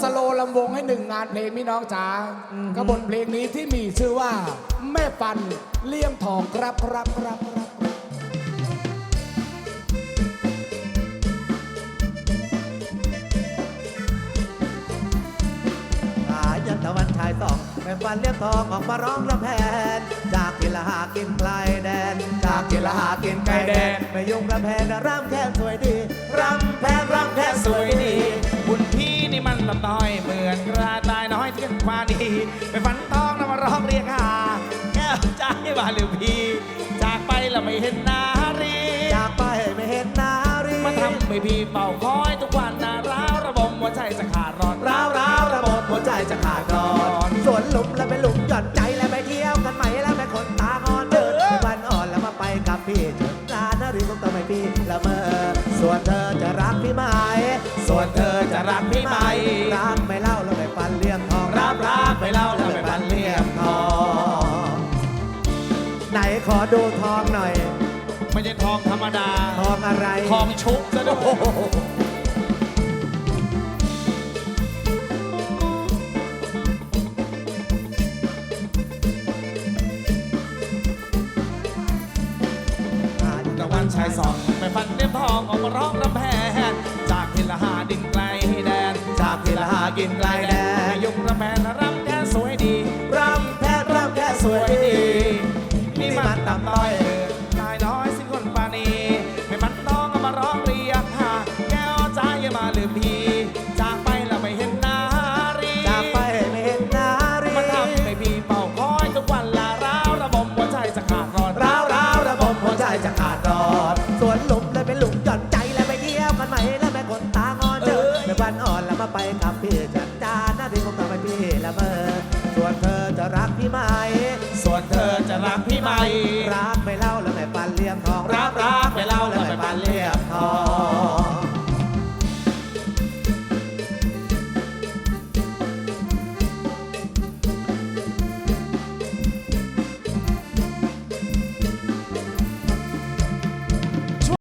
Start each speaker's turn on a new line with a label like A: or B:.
A: สโลลำวงให้หนึ่งงานเพลงพี่น้องจ๋าก็บทเพลงนี้ที่มีชื่อว่าแม่ปันเลี่ยมทองครับครับครับครับ
B: ยันตะวันชายสองแม่ฟันเลี้ยงทองออกมาร้องรำแพนจากกินละหากินไกลแดนจากกินละหากินไกลแดนไม่ยุ่งรำแพนรำแค่สวยดีรำแพนรำแค่สวยดี
C: คุณพี่นี่มันลำน้อยเหมือนกระต่ายน้อยที่กันควาดีไปฝันทองนำมาร้องเรียกหาแก้วใจว่าหรือพี่จากไปแล้วไม่เห็นนารี
B: จากไปไม่เห็นนารี
C: มาทำให้พี่เป่าคอยทุกวันนาร้าวระบมหัวใจจะขาดร้อน
B: ร้าวระบบหัวใจจะขาดก่อนสวนหลุมแล้วไปหลุมหย่อนใจแล้วไปเที่ยวกันใหม่แล้วไปคนตางอนเดินวันอ่อนแล้วมาไปกับพี่จนนานนารีต้องทำให้พี่ละเมอส่วนเธอจะรักพี่ไหม
C: ส่วนเธอจะรักพี่ไหม
B: รักไม่เล่าแล้วไปฟันเลี้ยงทอง
C: รักไม่เล่าแล้วไปฟันเลี้ยงทอง
B: ไหนขอดูทองหน่อย
C: ไม่ใช่ทองธรรมดา
B: ทองอะไร
C: ทองชุบซะด้วยตะวันชายสองไปฟันเลี้ยงทองออกมาร้องรำแพนจากทิลหาดินไกลแดน
B: จากทิลหากินไกลแดน
C: ยุงรำแพนรำแค่สวยดี
B: รำแพนรำแค่สวยดี
C: นี่มันต่ำต้อยนายน้อยสิ้นคนปานีไม่มันต้องเอามาร้องเรียกหาแก้วใจมาลืมพี่จากไปแล้วไม่เห็นนารี
B: จากไปไม่เห็นนารี
C: มันทำให้พี่เป่าคอยทุกวันละร้าวระบมหัวใจจะขาดร้อน
B: ร้าวระบมหัวใจจะขาดร้อนสวนหลุมแล้วเป็นหลุมหย่อนใจแล้วไปเที่ยวกันใหม่แล้วแม่คนตางอนเดินไปบ้านอ่อนแล้วมาไปกับพี่จันจาหน้าที่คงทำให้พี่ละเมอส่วนเธอจะรักพี่ไหม
C: ส่วนเธอจะรักพี่ไหม
B: รักไม่เล่าแล้วแม่ปันเลี้ยงทอง
C: รักไม่เล่า